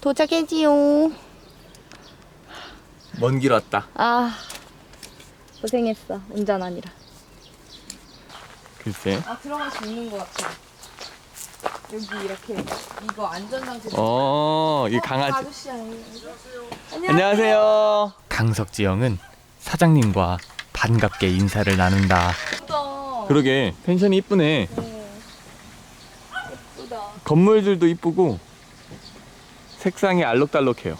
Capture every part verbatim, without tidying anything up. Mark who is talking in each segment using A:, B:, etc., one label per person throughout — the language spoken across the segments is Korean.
A: 도착했지요.
B: 먼 길 왔다.
A: 아, 고생했어. 운전하느라.
B: 글쎄.
A: 아, 들어갈 수 있는 것 같아. 여기 이렇게 이거 안전장치.
B: 어, 이 강아지.
A: 아저씨 아니에요? 안녕하세요.
B: 안녕하세요. 강석지 형은 사장님과 반갑게 인사를 나눈다.
A: 예쁘다.
B: 그러게 펜션이 이쁘네.
A: 네. 예쁘다.
B: 건물들도 이쁘고 색상이 알록달록해요.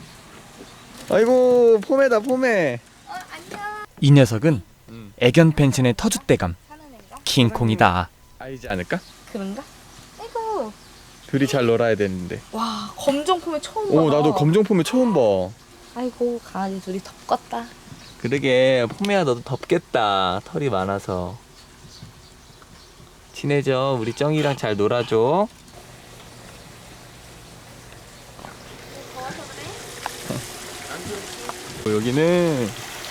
B: 아이고 포메다 포메.
A: 어, 안녕.
B: 이 녀석은 음. 애견 펜션의 터줏대감
A: 사는 애인가?
B: 킹콩이다. 알지 않을까?
A: 그런가? 아이고.
B: 둘이 잘 놀아야 되는데.
A: 와, 검정 포메 처음 봐.
B: 오 나도 검정 포메 처음 봐.
A: 아이고, 강아지 둘이 덥겠다.
B: 그러게 포메야 너도 덥겠다. 털이 많아서. 친해져. 우리 쩡이랑 잘 놀아줘. 어, 여기는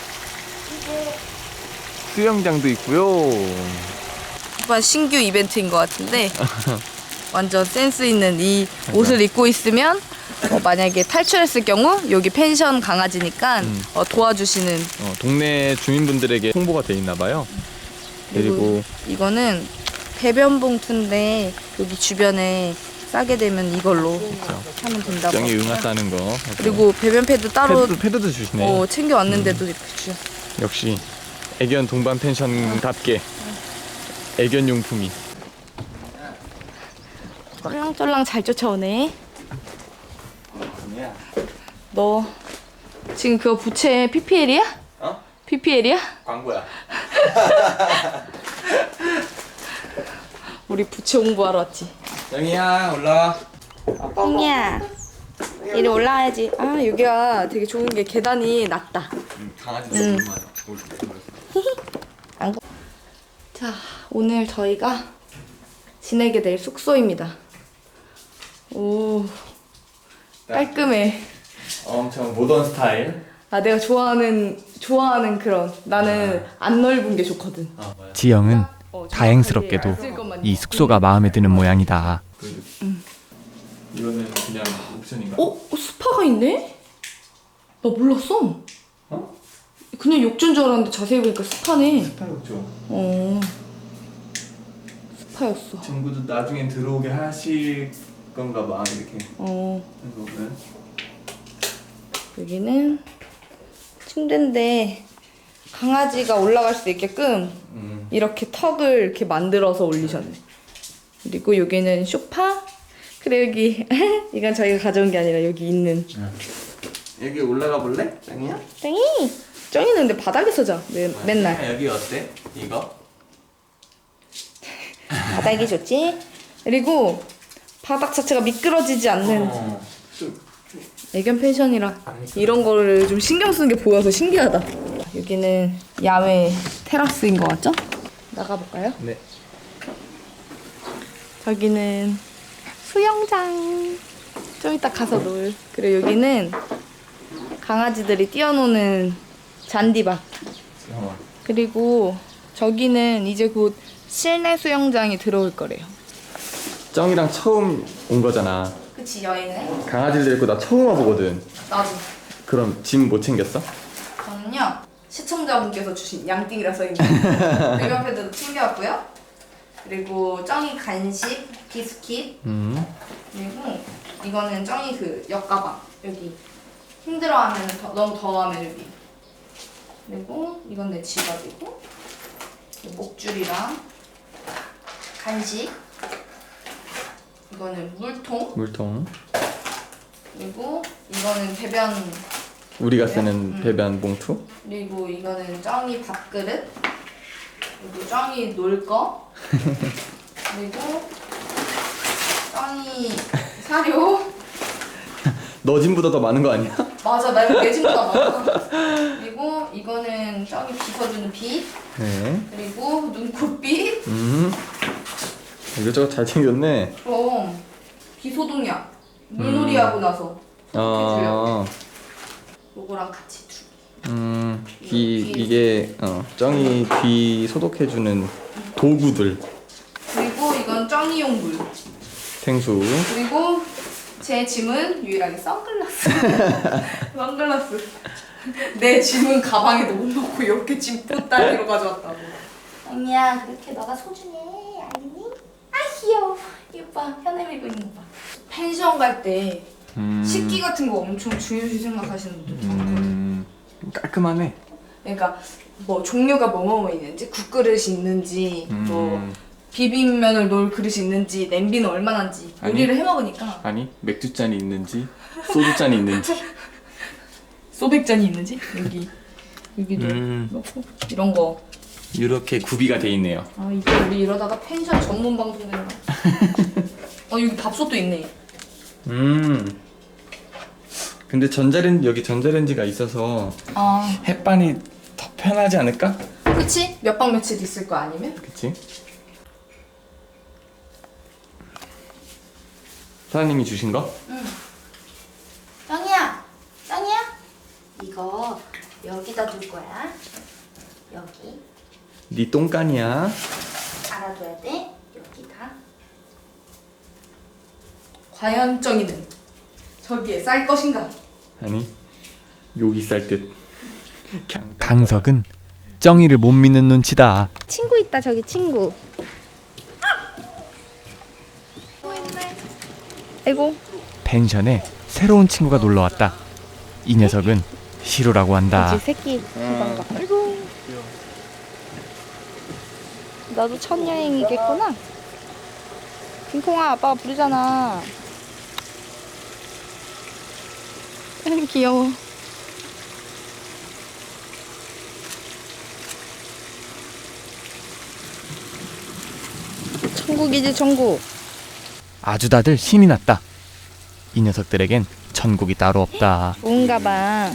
B: 수영장도 있고요.
A: 이번 신규 이벤트인 것 같은데 완전 센스 있는 이 옷을 입고 있으면 어, 만약에 탈출했을 경우 여기 펜션 강아지니까
B: 음.
A: 어, 도와주시는.
B: 어, 동네 주민분들에게 홍보가 돼 있나 봐요. 그리고
A: 이거는 배변 봉투인데 여기 주변에 싸게 되면 이걸로 하면 된다고.
B: 쩡이 응아 싸는 거.
A: 그리고 배변 패드 따로
B: 패드도, 패드도 주시네.
A: 어, 챙겨왔는데도 이렇게 주셨어.
B: 역시 애견 동반 펜션답게 애견 용품이.
A: 쫄랑쫄랑 잘 쫓아오네. 너 지금 그거 부채 피피엘이야?
B: 어?
A: 피피엘이야?
B: 광고야.
A: 우리 부채 홍보하러 왔지.
B: 쩡이야 올라와.
A: 뽕이야, 이리 올라와야지. 아, 여기가 되게 좋은 게 계단이 낮다.
B: 음, 강아지
A: 음.
B: 너무 많아.
A: 안 거- 자, 오늘 저희가 지내게 될 숙소입니다. 오, 깔끔해.
B: 엄청 모던 스타일.
A: 아, 내가 좋아하는 좋아하는 그런. 나는 안 넓은 게 좋거든.
B: 아, 뭐야.
C: 지영은
A: 어,
C: 다행스럽게도
A: 있을 것만
C: 이
A: 있고.
C: 숙소가 마음에 드는 모양이다.
B: 이거는 그냥 옵션인가?
A: 어? 어, 스파가 있네? 나 몰랐어.
B: 어?
A: 그냥 욕조인 줄 알았는데 자세히 보니까 스파네.
B: 스파욕조.
A: 어, 스파였어.
B: 친구도 나중엔 들어오게 하실 건가 봐 이렇게.
A: 어,
B: 해서 보면.
A: 여기는 침대인데 강아지가 올라갈 수 있게끔
B: 음.
A: 이렇게 턱을 이렇게 만들어서 올리셨네. 그리고 여기는 소파. 그래, 여기 이건 저희가 가져온 게 아니라 여기 있는.
B: 여기 올라가 볼래? 짱이야?
A: 짱이! 짱이는 근데 바닥에서 자. 매, 맨날.
B: 여기 어때? 이거?
A: 바닥이 좋지? 그리고 바닥 자체가 미끄러지지 않는
B: 어.
A: 애견 펜션이라 이런 거를 좀 신경 쓰는 게 보여서 신기하다. 여기는 야외 테라스인 것 같죠? 나가볼까요?
B: 네.
A: 저기는 수영장. 좀 이따 가서 놀. 그리고 여기는 강아지들이 뛰어노는 잔디밭.
B: 잠깐만.
A: 그리고 저기는 이제 곧 실내 수영장이 들어올 거래요.
B: 쩡이랑 처음 온 거잖아.
A: 그치, 여행은?
B: 강아지를 데리고 나 처음 와보거든.
A: 나도.
B: 그럼 짐 못 챙겼어?
A: 저는요, 시청자분께서 주신 양띵이라 써있는 배변 패드도 챙겨왔고요. 그리고 쩡이 간식, 비스킷.
B: 음.
A: 그리고 이거는 쩡이 그 옆가방. 여기 힘들어하면 더, 너무 더워하면 여기. 그리고 이건 내 지갑이고, 목줄이랑 간식. 이거는 물통.
B: 물통.
A: 그리고 이거는 배변.
B: 우리가 쓰는
A: 음.
B: 배변 봉투.
A: 그리고 이거는 쩡이 밥그릇. 그리고 쩡이 놀 거. 그리고 쩡이 사료.
B: 너 짐보다 더 많은 거 아니야?
A: 맞아, 나 이거 내 집보다 많아. 그리고 이거는 쩡이 빗어주는 빗.
B: 네.
A: 그리고 눈코빗.
B: 음. 이것저것 잘 챙겼네.
A: 그럼 비소독약. 물놀이하고 나서 소독해주려고.
B: 어.
A: 요거랑 같이 두 개.
B: 음. 귀 이게 어 쩡이 귀 소독해주는 도구들.
A: 그리고 이건 쩡이용 물.
B: 생수.
A: 그리고 제 짐은 유일하게 선글라스. 선글라스. 내 짐은 가방에도 못 넣고 이렇게 짐 붓다리로 가져왔다고. 언니야 그렇게 너가 소중해 알겠니? 아 귀여워. 이봐 현애 밀고 있는 거 봐. 펜션 갈 때
B: 음.
A: 식기 같은 거 엄청 중요시 생각하시는 분들 많거든.
B: 음. 깔끔하네.
A: 그러니까 뭐 종류가 뭐뭐 있는지 국그릇이 있는지
B: 음.
A: 뭐 비빔면을 놓을 그릇이 있는지 냄비는 얼마나인지
B: 아니.
A: 요리를 해먹으니까
B: 아니 맥주잔이 있는지 소주잔이 있는지.
A: 소백잔이 있는지 여기 여기도
B: 음.
A: 넣고 이런 거.
B: 이렇게 구비가 돼 있네요.
A: 아 이제 우리 이러다가 펜션 전문 방송 되는 거야. 어 여기 밥솥도 있네.
B: 음. 근데 전자레인지 여기 전자레인지가 있어서
A: 아
B: 햇반이 더 편하지 않을까?
A: 그치? 몇 박 며칠 있을 거 아니면?
B: 그치? 사장님이 주신 거?
A: 짱이야 짱이야 이거 여기다 둘 거야. 여기
B: 네 똥간이야.
A: 알아둬야 돼. 여기다. 과연 쩡이는 저기에 쌀 것인가?
B: 아니 여기 쌀 듯. 그냥
C: 강석은 쩡이를 못 믿는 눈치다.
A: 친구 있다 저기 친구. 아이고
C: 펜션에 새로운 친구가 놀러 왔다. 이 녀석은 시로라고 한다.
A: 그치 새끼 금방 가. 아이고 나도 첫 여행이겠구나. 핑콩아 아빠가 부르잖아. 아이고 귀여워. 천국이지 천국.
C: 아주 다들 신이 났다. 이 녀석들에겐 천국이 따로 없다.
A: 좋은가 봐.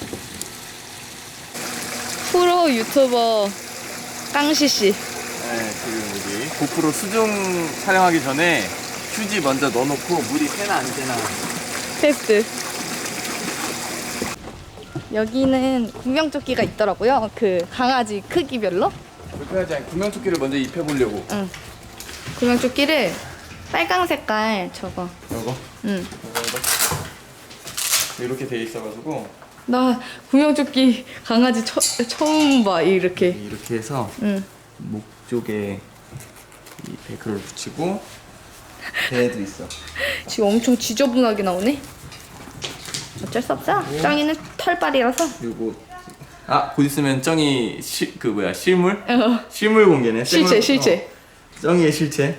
A: 프로 유튜버 깡시씨.
D: 네, 지금 우리 고프로 수중 촬영하기 전에 휴지 먼저 넣어놓고 물이 새나 안 새나.
A: 테스트. 여기는 구명조끼가 있더라고요. 그 강아지 크기별로.
D: 불편하지 않게 구명조끼를 먼저 입혀보려고.
A: 응. 구명조끼를 빨강 색깔 저거.
B: 이거
A: 응.
B: 이렇게 돼 있어가지고
A: 나 구명조끼 강아지 처, 처음 봐 이렇게.
B: 이렇게 해서
A: 응.
B: 목 쪽에 이 베이크를 붙이고 배에도 있어.
A: 지금 엄청 지저분하게 나오네. 어쩔 수 없어. 짱이는 털빨이라서.
B: 그리고 아, 곧 있으면 쩡이 시, 그 뭐야 실물?
A: 어.
B: 실물 공개네.
A: 실체
B: 생물-
A: 실체.
B: 어, 쩡이의 실체.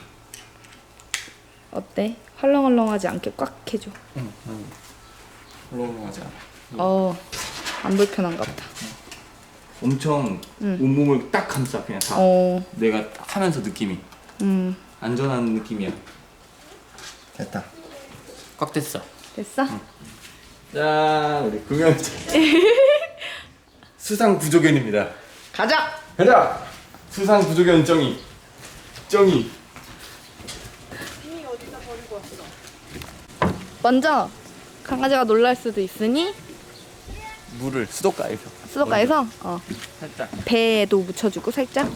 A: 어때? 헐렁헐렁하지 않게 꽉 해줘.
B: 응, 응. 헐렁하지 않아.
A: 어. 안 불편한가 보다.
B: 엄청
A: 응.
B: 온몸을 딱 감싸 그냥 다.
A: 어.
B: 내가 하면서 느낌이
A: 음.
B: 안전한 느낌이야. 됐다. 꽉 됐어.
A: 됐어?
B: 짠, 우리 구명자 수상 구조견입니다.
A: 가자.
B: 가자. 수상 구조견 쩡이. 쩡이.
A: 먼저 강아지가 놀랄 수도 있으니
B: 물을 수도가에서
A: 수도가에서 어,
B: 살짝.
A: 배에도 묻혀주고 살짝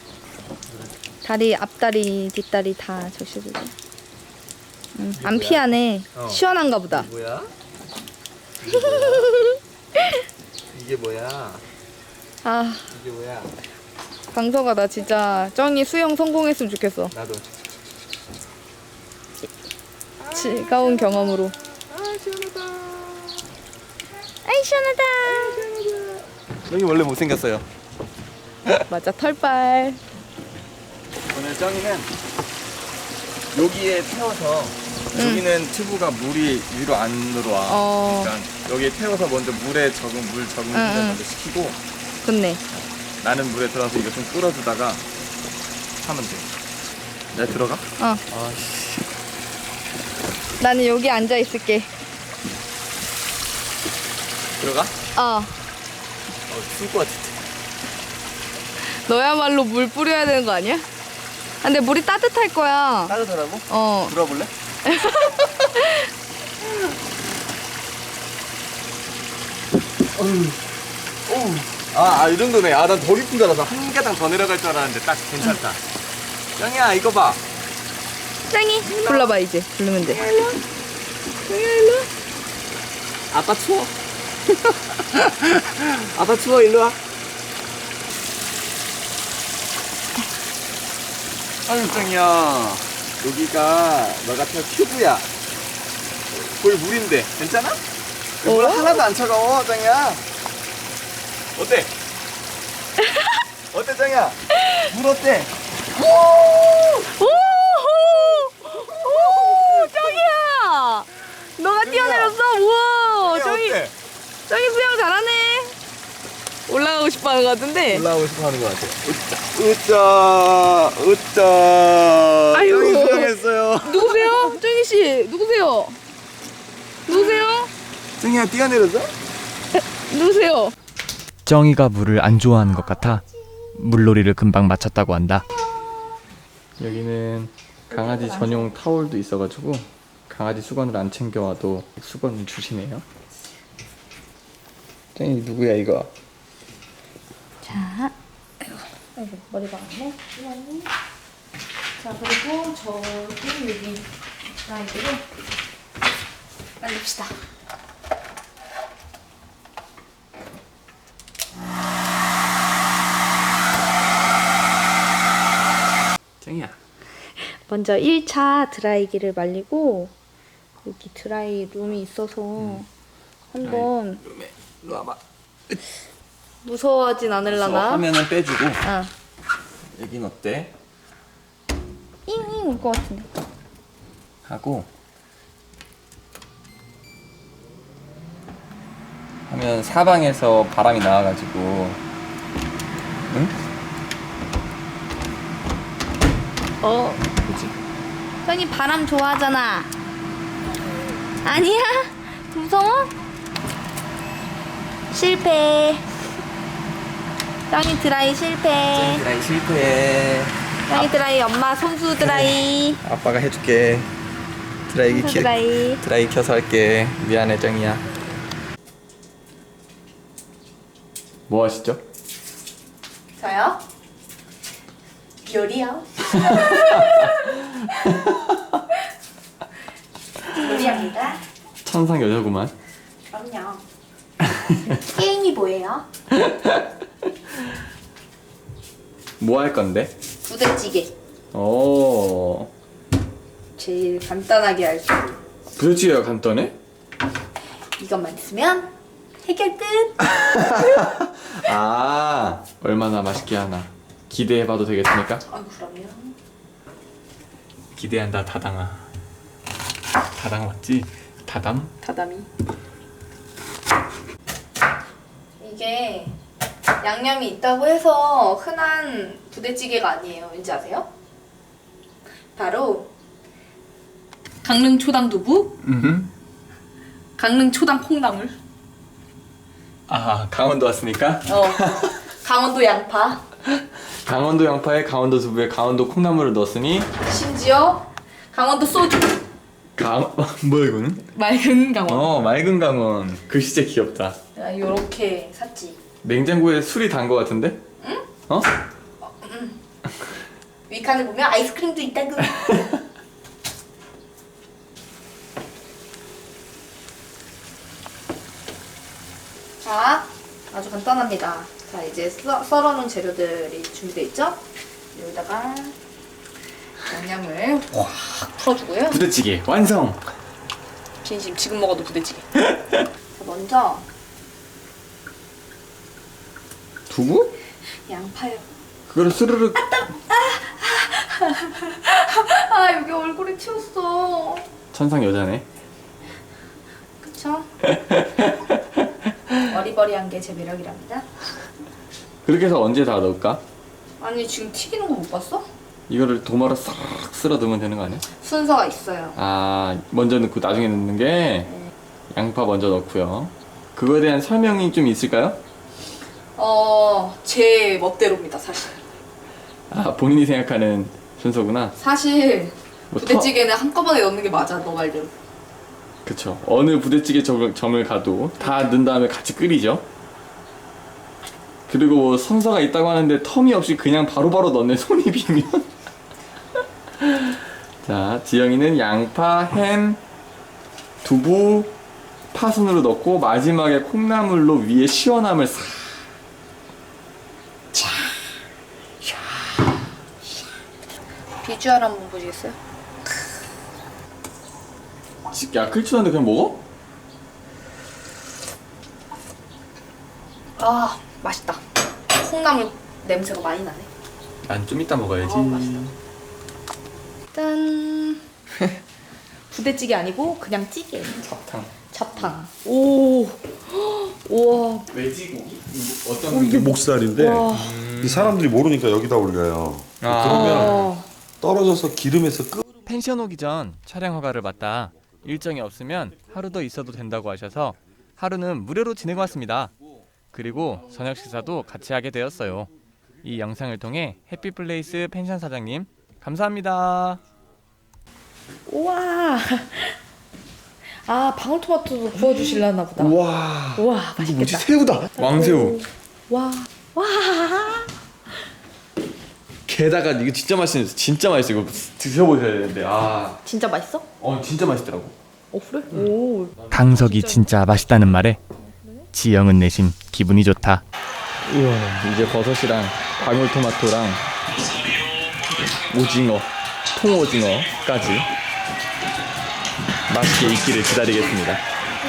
A: 다리 앞다리 뒷다리 다 적셔주고. 음, 안 피하네.
D: 어.
A: 시원한가 보다.
D: 뭐야? 이게 뭐야?
A: 아
D: 이게 뭐야?
A: 강서가 나 진짜 쩡이 수영 성공했으면 좋겠어.
D: 나도.
A: 즐거운 경험으로.
D: 아 시원하다.
A: 아이 시원하다.
D: 쩡이 원래 못생겼어요.
A: 맞아 털빨.
D: 오늘 쩡이는 여기에 태워서 여기는 튜브가 물이 위로 안으로 와.
A: 어.
D: 그러니까 여기에 태워서 먼저 물에 적응 물 적응
A: 응, 응.
D: 먼저 시키고
A: 좋네.
D: 나는 물에 들어가서 이거 좀 끓여주다가 하면 돼. 내가 들어가?
A: 어.
D: 아씨.
A: 나는 여기 앉아 있을게.
D: 들어가?
A: 어.
D: 어, 추울 것 같은데.
A: 너야말로 물 뿌려야 되는 거 아니야? 아, 근데 물이 따뜻할 거야.
D: 따뜻하다고?
A: 어.
D: 불어볼래? 어휴. 어우. 아, 아, 이 정도네. 아, 난 더 깊은 줄 알아서 한 가닥 더 내려갈 줄 알았는데 딱 괜찮다. 짱이야, 이거 봐.
A: 짱이 불러봐 이제. 부르면 돼. 정이야 일로 와.
D: 아빠 추워. 아빠 추워, 일로 와. 아유, 짱이야. 여기가 너 같은 큐브야. 거의 물인데, 괜찮아? 물
A: 어?
D: 하나도 안 차가워, 짱이야. 어때? 어때, 짱이야? 물 어때?
A: 오! 오! 정이야! 너가 뛰어내렸어? 우와! 정이,
D: 어때?
A: 정이 수영 잘하네. 올라가고 싶어 하는 것 같은데?
D: 올라오고 싶어 하는 것 같아. 으짜, 으짜.
A: 아유.
D: 짱이 수영했어요.
A: 누구세요? 정희 씨, 누구세요? 누구세요?
D: 짱이야, 뛰어내렸어?
A: 누구세요?
C: 쩡이가 물을 안 좋아하는 것 같아 물놀이를 금방 마쳤다고 한다.
B: 여기는 강아지 전용 타올도 있어가지고 강아지 수건을 안 챙겨와도 수건을 주시네요. 짱이 누구야 이거?
A: 자, 아이고, 아이고 머리가 왔네. 이거는. 자, 그리고 저기 여기 라인으로 말립시다.
B: 짱이야.
A: 먼저 일 차 드라이기를 말리고 여기 드라이 룸이 있어서 한번
B: 일로 와봐.
A: 무서워하진 않을라나?
B: 화면은 빼주고.
A: 아,
B: 여긴 어때?
A: 잉잉 올 것 같은데.
B: 하고 하면 사방에서 바람이 나와가지고 응?
A: 어,
B: 그치?
A: 형이 바람 좋아하잖아. 아니야? 무서워? 실패. 짱이 드라이 실패.
B: 드라이 실패.
A: 짱이 드라이 엄마 손수 드라이.
B: 아빠가 해줄게. 드라이기
A: 손수
B: 키
A: 드라이.
B: 드라이 켜서 할게. 미안해 짱이야. 뭐 하시죠?
A: 저요? 요리요. 요리합니다.
B: 천상 여자구만.
A: 그럼요. 게임이 뭐예요?
B: 뭐 할 건데?
A: 부대찌개.
B: 오.
A: 제일 간단하게 할 수.
B: 부대찌개가 간단해?
A: 이것만 있으면 해결 끝.
B: 아, 얼마나 맛있게 하나. 기대해봐도 되겠습니까?
A: 아, 그럼요.
B: 기대한다 다당아. 다당 맞지? 다담?
A: 다담이. 이게 양념이 있다고 해서 흔한 부대찌개가 아니에요. 왠지 아세요? 바로 강릉 초당 두부,
B: 음.
A: 강릉 초당 콩나물,
B: 아, 강원도 왔으니까?
A: 어 강원도 양파,
B: 강원도 양파에 강원도 두부에 강원도 콩나물을 넣었으니
A: 심지어 강원도 소주.
B: 강... 뭐야 이거는?
A: 맑은 강원.
B: 어, 맑은 강원. 글씨 진짜 귀엽다.
A: 아, 요렇게 샀지.
B: 냉장고에 술이 단 거 같은데? 응? 어?
A: 위칸을 보면 아이스크림도 있다고. 자, 아주 간단합니다. 자, 이제 썰, 썰어놓은 재료들이 준비되어 있죠? 여기다가 양념을 확 풀어주고요.
B: 부대찌개 완성!
A: 진심 지금 먹어도 부대찌개. 자, 먼저
B: 두부?
A: 양파요.
B: 그거를 스르륵
A: 아, 여기 얼굴에 튀었어.
B: 천상 여자네.
A: 그쵸? 어리버리한 게 제 매력이랍니다.
B: 그렇게 해서 언제 다 넣을까?
A: 아니, 지금 튀기는 거 못 봤어?
B: 이거를 도마로 싹 쓸어 넣으면 되는 거 아니야?
A: 순서가 있어요.
B: 아, 먼저 넣고 나중에 넣는 게 양파 먼저 넣고요. 그거에 대한 설명이 좀 있을까요?
A: 어, 제 멋대로입니다, 사실.
B: 아, 본인이 생각하는 순서구나.
A: 사실
B: 뭐
A: 부대찌개는 한꺼번에 넣는 게 맞아, 너 말대로.
B: 그쵸. 어느 부대찌개 점- 점을 가도 다 넣은 다음에 같이 끓이죠. 그리고 뭐 순서가 있다고 하는데 텀이 없이 그냥 바로바로 넣네, 손이 비면. 자, 지영이는 양파, 햄, 두부 파순으로 넣고 마지막에 콩나물로 위에 시원함을 싹.
A: 비주얼 한번 보시겠어요?
B: 야, 클추한데 그냥 먹어?
A: 아 맛있다. 콩나물 냄새가 많이 나네.
B: 난 좀 이따 먹어야지.
A: 어, 맛있다. 짠. 부대찌개 아니고 그냥 찌개.
B: 잡탕.
A: 잡탕. 오. 우와.
B: 돼지고기?
A: 오, 이게
E: 목살인데
A: 와.
E: 이 사람들이 모르니까 여기다 올려요. 그러면
A: 아.
E: 떨어져서 기름에서 끄.
C: 펜션 오기 전 촬영 허가를 받다 일정이 없으면 하루 더 있어도 된다고 하셔서 하루는 무료로 지내고 왔습니다. 그리고 저녁 식사도 같이 하게 되었어요. 이 영상을 통해 해피플레이스 펜션 사장님 감사합니다.
A: 우와. 아 방울토마토도 구워주실라나 보다.
B: 우와.
A: 우와 맛있겠다.
B: 새우다. 왕새우.
A: 와. 와.
B: 게다가 이거 진짜 맛있어. 진짜 맛있어. 이거 드셔보셔야 되는데. 아.
A: 진짜 맛있어?
B: 어, 진짜 맛있더라고.
A: 어 그래? 오.
C: 강석이 진짜 맛있다는 말에 지영은 내심 기분이 좋다.
B: 우와. 이제 버섯이랑 방울토마토랑 오징어, 통오징어까지 맛있게 익기를 기다리겠습니다.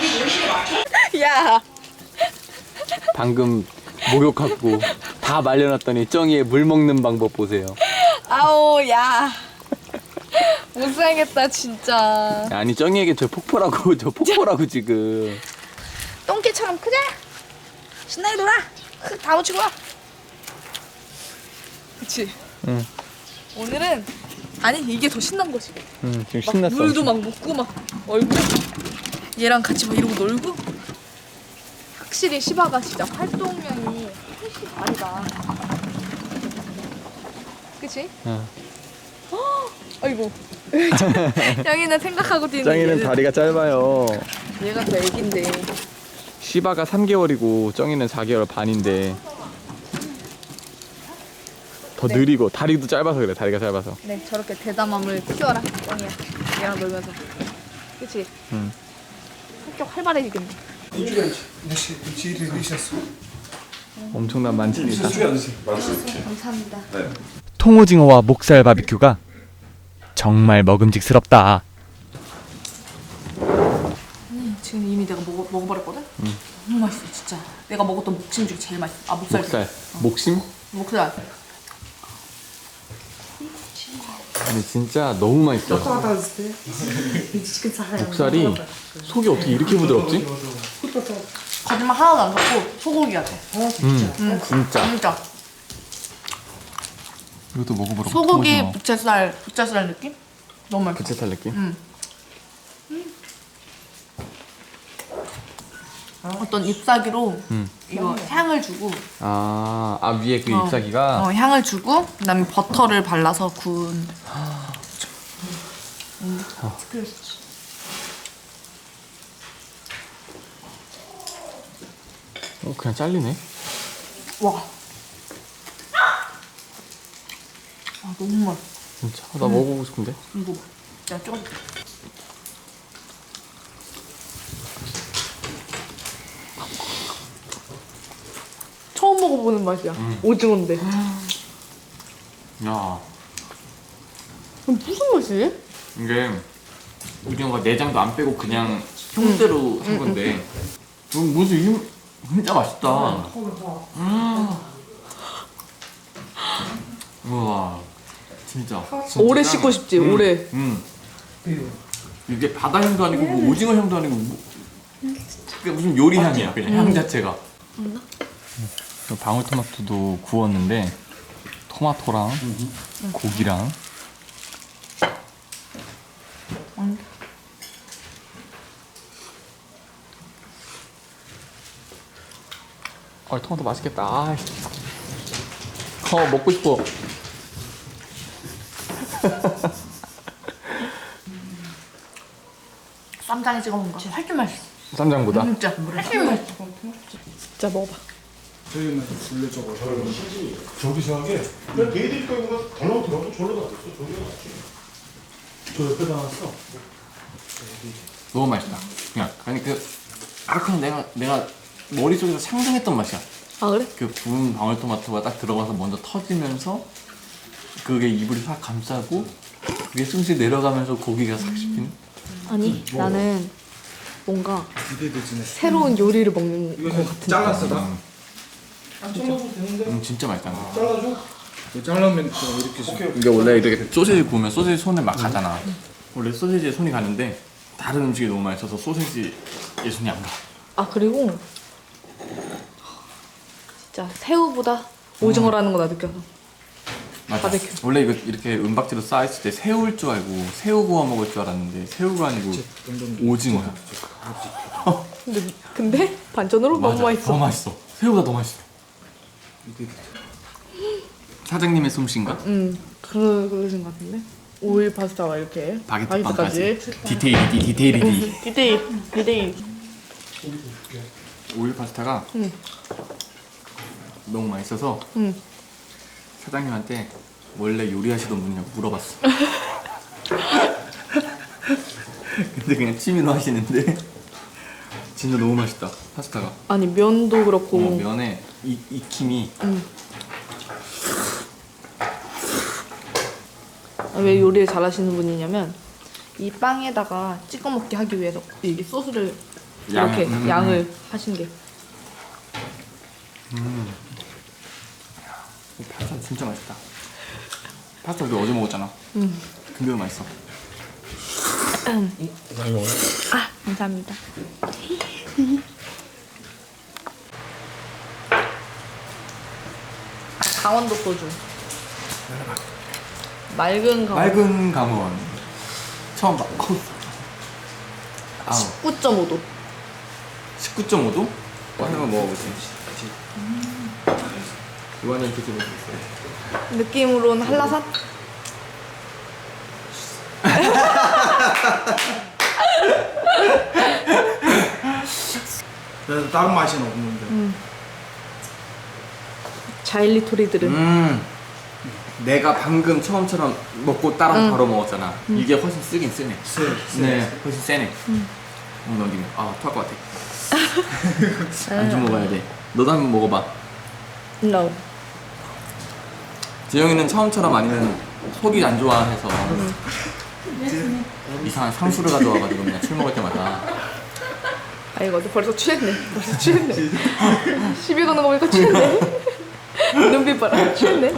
A: 야.
D: 방금 목욕하고 다 말려놨더니 쩡이의 물 먹는 방법 보세요.
A: 아우 야. 못 살겠다 진짜.
D: 아니 쩡이에게 저 폭포라고 저 폭포라고 지금.
A: 똥개처럼 크자. 신나게 놀아. 흙 다 묻히고 와. 그치?
B: 응.
A: 오늘은 아니 이게 더 신난 거지.
B: 음, 지금
A: 막
B: 신났어.
A: 물도 막 묻고 막 얼굴 얘랑 같이 막 이러고 놀고. 확실히 시바가 진짜 활동량이 훨씬 다르다. 그치?
B: 응.
A: 헉, 아이고. 짱이는 생각하고 뛰는.
B: 짱이는
A: 얘는-
B: 다리가 짧아요.
A: 얘가 더 애긴데.
B: 시바가 삼 개월이고 쩡이는 사 개월 반인데 더
A: 네.
B: 느리고 다리도 짧아서 그래. 다리가 짧아서.
A: 네 저렇게 대담함을 키워라 짱이야. 얘랑 놀면서. 그치?
B: 응.
A: 성격 활발해지겠네.
B: 엄청난 만찬이다.
A: 감사합니다.
C: 통오징어와 목살 바비큐가 정말 먹음직스럽다.
A: 지금 이미 내가 먹어, 먹어버렸거든? 너무 맛있어 진짜. 내가 먹었던 목심 중에 제일 맛있어. 아 목살.
B: 목살. 목심?
A: 목살.
B: 아니 진짜 너무 맛있어. 목살이 속이 어떻게 이렇게 부드럽지?
A: 거짓말 하나도 안 섞고 소고기 같아.
B: 음, 진짜.
A: 진짜.
B: 이것도 먹어보라고.
A: 소고기
B: 통오징어.
A: 부채살 부채살 느낌? 너무 맛있어.
B: 부채살 느낌?
A: 응. 어떤 잎사귀로
B: 음.
A: 이거 향을 주고
B: 아, 아 위에 그
A: 어.
B: 잎사귀가
A: 어, 향을 주고 그다음에 버터를 발라서 구운. 음.
B: 어, 그냥 잘리네.
A: 와. 아 너무 맛있어.
B: 진짜 나 먹어보고 싶은데.
A: 이거 봐. 내가 찍어줄게. 처음 먹어보는 맛이야. 오징어인데.
B: 야,
A: 그럼 무슨 맛이지?
B: 이게 오징어가 내장도 안 빼고 그냥 형대로 한 건데. 음, 무슨 이 진짜 맛있다. 음. 우와, 진짜. 진짜
A: 오래
B: 짱이야.
A: 씻고 싶지,
B: 음,
A: 오래.
B: 음. 이게 바다 향도 아니고 뭐 오징어 향도 아니고 뭐, 그게 무슨 요리 향이야 그냥 향 자체가.
A: 없나?
B: 방울토마토도 구웠는데 토마토랑 고기랑
A: 응.
B: 아 토마토 맛있겠다. 아, 어 먹고 싶어.
A: 쌈장에 찍어 먹는 거 훨씬 맛있어.
B: 쌈장보다.
A: 진짜 훨씬 맛있어. 진짜 먹어봐.
E: 저기 생각에 그냥 걔들 거보다 덜 들어가고 절로 놔뒀어. 저기가 낫지. 저 옆에 나왔어.
B: 너무 맛있다. 그냥 아니 그 아 그냥 내가 내가 머릿속에서 상상했던 맛이야.
A: 아 그래?
B: 그 구운 방울토마토가 딱 들어가서 먼저 터지면서 그게 입을 싹 감싸고 그게 숨쉬 내려가면서 고기가 싹 씹히는.
A: 아니 나는 뭔가 새로운 요리를 먹는
E: 이거
A: 것 같은.
E: 잘랐어 나? 안 잘라도 되는데?
B: 음 진짜 맛있다.
E: 잘라줘. 이거 잘라면 좀 이렇게 오케이.
B: 이게 원래 이렇게 소세지 구우면 소세지 손에 막 가잖아. 원래 소세지에 손이 가는데 다른 음식이 너무 맛있어서 소세지에 손이 안 가.
A: 아 그리고 진짜 새우보다 오징어라는 거 나 느껴서.
B: 맞아.
A: 바베큐.
B: 원래 이거 이렇게 은박지로 쌓였을 때 새우일 줄 알고 새우 구워 먹을 줄 알았는데 새우가 아니고 오징어야.
A: 근데 근데 반전으로 너무
B: 맞아.
A: 맛있어.
B: 더 맛있어. 새우가 더 맛있어. 사장님의 솜씨인가?
A: 응 그러 그러신 것 같은데. 오일 파스타와 이렇게
B: 바게트
A: 바게트까지.
B: 빵까지. 디테일이디 디테일이디.
A: 디테일 디테일.
B: 오일 파스타가
A: 응.
B: 너무 맛있어서
A: 응.
B: 사장님한테 원래 요리하시던 분이냐고 물어봤어. 근데 그냥 취미로 하시는데 진짜 너무 맛있다 파스타가.
A: 아니 면도 그렇고.
B: 어, 면에 이, 익힘이
A: 응. 왜 요리를 잘하시는 분이냐면 이 빵에다가 찍어 먹게 하기 위해서 이게 소스를
B: 양,
A: 이렇게
B: 음,
A: 양을 하신 게.
B: 파스타 진짜 맛있다. 파스타 우리 어제 먹었잖아.
A: 응.
B: 근데도 맛있어.
A: 아 감사합니다. 아, 강원도 소주. 맑은 강원.
B: 맑은 강원 처음 봐. 아우.
A: 구 점 오 도.
B: 십구 점 오 도? 한번 먹어보지. 이거는 드셔보세요.
A: 느낌으로는 한라산?
E: 그래서 다른 맛은 없는데.
A: 자일리토리들은
B: 음. 내가 방금 처음처럼 먹고 따라
A: 응.
B: 바로 먹었잖아. 이게 훨씬 쓰긴 쓰네.
E: 세, 세.
B: 네, 훨씬 세네. 응. 넘기면 아, 토할 것 같아. 안주 먹어야 돼. 너도 한번 먹어봐.
A: no.
B: 재영이는 처음처럼 아니면 속이 안 좋아해서 이상한 상수를 가져와가지고 그냥 술 먹을 때마다
A: 아 이거 벌써 취했네. 벌써 취했네. 시비 거는 거 보니까 취했네. 눈빛 봐라. 취했네.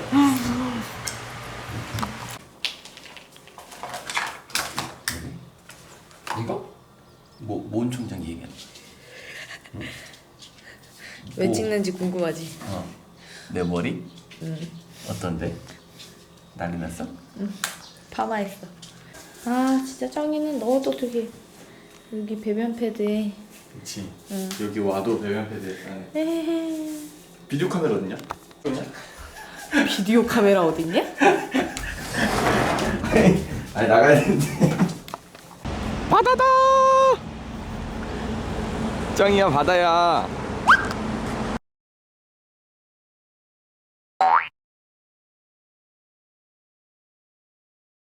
F: 이거? 뭐, 뭔 총장 얘기하는 거야?
A: 왜
F: 뭐,
A: 찍는지 궁금하지.
F: 어. 내 머리? 응. 어떤데? 난리 났어?
A: 파마했어. 아 진짜 짱이는 너도 되게 여기 배변 패드에.
B: 그렇지. 여기 와도 배변 패드 안에
A: 에헤.
B: 비디오 카메라 어딨냐?
A: 비디오 카메라 어딨냐?
B: 아니 나가야 되는데. 바다다. 짱이야 바다야.